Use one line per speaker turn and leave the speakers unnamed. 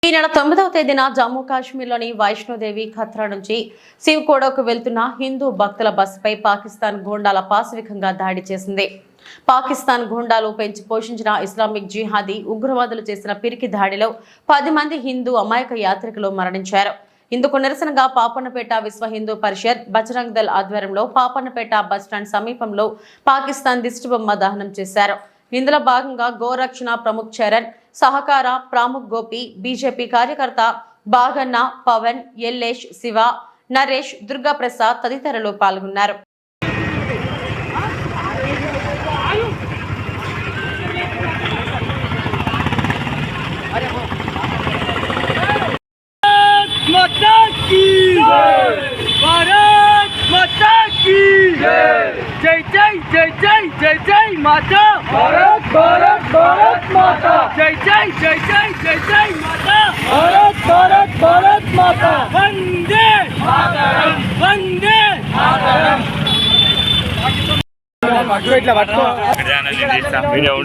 ఈ నెల 9వ తేదీన జమ్మూ కాశ్మీర్లోని వైష్ణోదేవి ఖత్రా నుంచి శివ్కోడకు వెళ్తున్న హిందూ భక్తుల బస్సుపై పాకిస్తాన్ గూండాల పాశవికంగా దాడి చేసింది. పాకిస్తాన్ గూండాలు పెంచి పోషించిన ఇస్లామిక్ జిహాదీ ఉగ్రవాదులు చేసిన పిరికి దాడిలో 10 మంది హిందూ అమాయక యాత్రికులు మరణించారు. ఇందుకు నిరసనగా పాపన్నపేట విశ్వ హిందూ పరిషత్ బజరంగ్ దళ్ ఆధ్వర్యంలో పాపన్నపేట బస్టాండ్ సమీపంలో పాకిస్తాన్ దిష్టిబొమ్మ దహనం చేశారు. ఇందులో భాగంగా గోరక్షణ ప్రముఖ్ చరణ్, సహకార ప్రముఖ్ గోపి, బీజేపీ కార్యకర్త బాగన్న, పవన్, ఎల్లేష్, శివ, నరేష్, దుర్గా ప్రసాద్ తదితరులు పాల్గొన్నారు.
जय जय जय जय जय जय माता भारत भारत भारत माता जय जय जय जय जय जय माता भारत भारत भारत माता वंदे मातरम वंदे मातरम